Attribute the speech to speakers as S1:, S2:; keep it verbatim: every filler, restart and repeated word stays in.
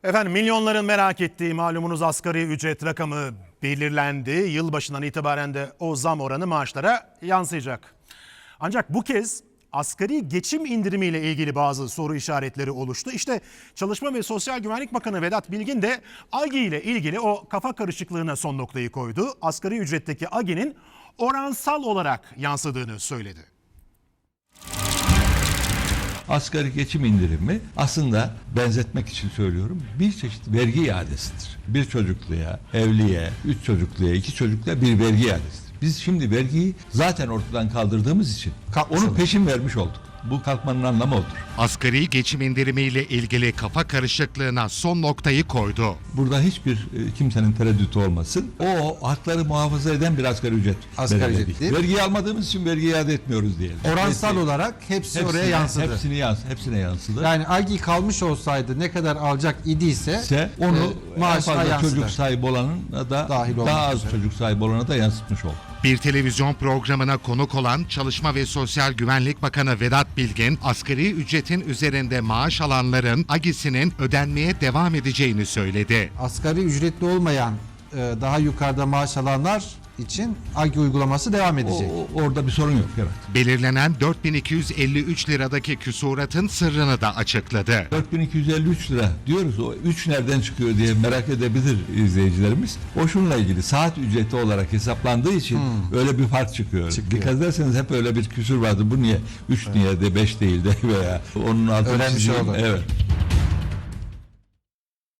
S1: Efendim milyonların merak ettiği malumunuz asgari ücret rakamı belirlendi. Yılbaşından itibaren de o zam oranı maaşlara yansıyacak. Ancak bu kez asgari geçim indirimiyle ilgili bazı soru işaretleri oluştu. İşte Çalışma ve Sosyal Güvenlik Bakanı Vedat Bilgin de AGİ ile ilgili o kafa karışıklığına son noktayı koydu. Asgari ücretteki AGİ'nin oransal olarak yansıdığını söyledi.
S2: Asgari geçim indirimi aslında benzetmek için söylüyorum bir çeşit vergi iadesidir. Bir çocukluya, evliye, üç çocukluya, iki çocukluya bir vergi iadesidir. Biz şimdi vergiyi zaten ortadan kaldırdığımız için onu peşin vermiş olduk. Bu kalkmanın anlamı odur.
S3: Asgari geçim indirimiyle ilgili kafa karışıklığına son noktayı koydu.
S2: Burada hiçbir e, kimsenin tereddütü olmasın. O hakları muhafaza eden bir asgari ücret.
S4: Asgari
S2: belirledik.
S4: ücret değil.
S2: Vergi almadığımız için vergi iade etmiyoruz diyelim.
S4: Oransal
S2: Hepsi-
S4: olarak hepsi
S2: hepsine,
S4: oraya yansıdı.
S2: Hepsini yans, hepsine yansıdı.
S4: Yani AGİ kalmış olsaydı ne kadar alacak idiyse
S2: ise onu
S4: e,
S2: en
S4: maaşına
S2: fazla
S4: yansıdı.
S2: çocuk sahibi olanın da
S4: Dahil olmak
S2: daha az
S4: üzere.
S2: çocuk sahibi olana da yansıtmış oldu.
S3: Bir televizyon programına konuk olan Çalışma ve Sosyal Güvenlik Bakanı Vedat Bilgin, asgari ücretin üzerinde maaş alanların AGİ'sinin ödenmeye devam edeceğini söyledi.
S4: Asgari ücretli olmayan e, daha yukarıda maaş alanlar için AGİ uygulaması devam
S2: O,
S4: edecek.
S2: o- orada bir sorun yok. Evet.
S3: Belirlenen dört bin iki yüz elli üç liradaki küsuratın sırrını da açıkladı.
S2: dört bin iki yüz elli üç lira diyoruz. O üç nereden çıkıyor diye merak edebilir izleyicilerimiz. O şununla ilgili saat ücreti olarak hesaplandığı için öyle bir fark çıkıyor.
S4: Çıkıyor.
S2: Dikkat ederseniz hep öyle bir küsur vardı. Bu niye üç niye de beş değil de veya onun altını
S4: Öğrenmiş
S2: çizeyim.
S4: olduk.
S2: Evet.